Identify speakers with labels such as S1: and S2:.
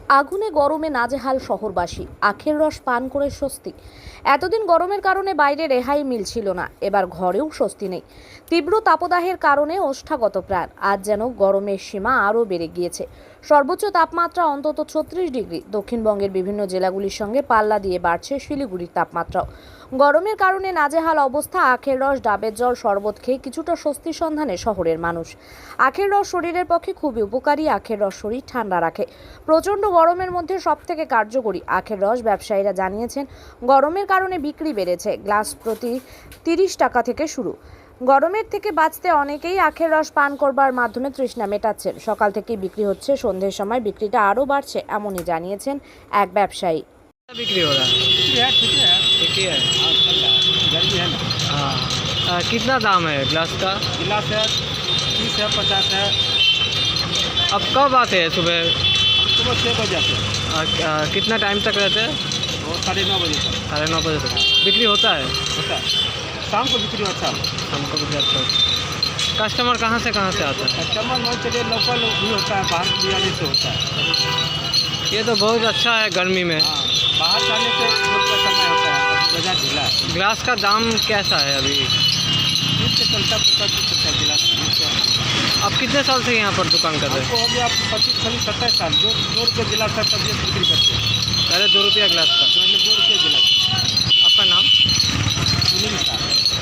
S1: আগুনে গরমে নাজেহাল শহরবাসী, আখের রস পান করে স্বস্তি। এতদিন গরমের কারণে বাইরে রেহাই মিলছিল না, এবার ঘরেও স্বস্তি নেই। তীব্র তাপদাহের কারণে ওষ্ঠাগত প্রাণ। আজ যেন গরমের সীমা আরও বেড়ে গিয়েছে। সর্বোচ্চ তাপমাত্রা অন্তত 36 ডিগ্রি। দক্ষিণবঙ্গের বিভিন্ন জেলাগুলির সঙ্গে পাল্লা দিয়ে বাড়ছে শিলিগুড়ির তাপমাত্রাও। গরমের কারণে নাজেহাল অবস্থা। আখের রস, ডাবের জল, শরবত খেয়ে কিছুটা স্বস্তির সন্ধানে শহরের মানুষ। আখের রস শরীরের পক্ষে খুবই উপকারী। আখের রস শরীর ঠান্ডা রাখে। প্রচণ্ড গরমের মধ্যে সবথেকে কার্যকরী আখের রস। ব্যবসায়ীরা জানিয়েছেন, গরমের কারণে বিক্রি বেড়েছে। গ্লাস প্রতি 30 টাকা থেকে শুরু। গরমের থেকে বাঁচতে অনেকেই আখের রস পান করবার মাধ্যমে তৃষ্ণা মেটাচ্ছেন। সকাল থেকেই বিক্রি হচ্ছে, সন্ধ্যের সময় বিক্রিটা আরও বাড়ছে, এমনই জানিয়েছেন এক ব্যবসায়ী।
S2: बिक्री हो रहा है? ठीक ही है।
S3: हाँ चल रहा है, गर्मी है ना।
S2: हाँ। कितना दाम है ग्लास का?
S3: गिलास है 30 है 50 है।
S2: अब कब आते हैं सुबह?
S3: हम सुबह 6 बजे आते हैं
S2: कितना टाइम तक रहते हैं?
S3: और 9:30 बजे तक
S2: 9:30 बजे तक बिक्री होता है।
S3: होता है। शाम को बिक्री अच्छा होता है।
S2: हमको बिक्री अच्छा होता है। कस्टमर कहाँ से आता है?
S3: कस्टमर मान चलिए लोकल भी होता है, बाहर भी आने से होता है।
S2: ये तो बहुत अच्छा है गर्मी में।
S3: हाँ, बाहर जाने से रोड का समय होता है, अभी बाजार ढीला है।
S2: ग्लास का दाम कैसा है अभी?
S3: 30 से चलता 50 से चलता है गिलास 30 से।
S2: आप कितने साल से यहाँ पर दुकान कर रहे
S3: हमको
S2: हैं?
S3: हो गया 25 27 साल। 2 रुपये गिलास है तब ये बिक्री करते हैं।
S2: पहले 2 रुपया ग्लास का।
S3: 2 रुपये गिलास।
S2: आपका नाम?
S3: सुनील साहब।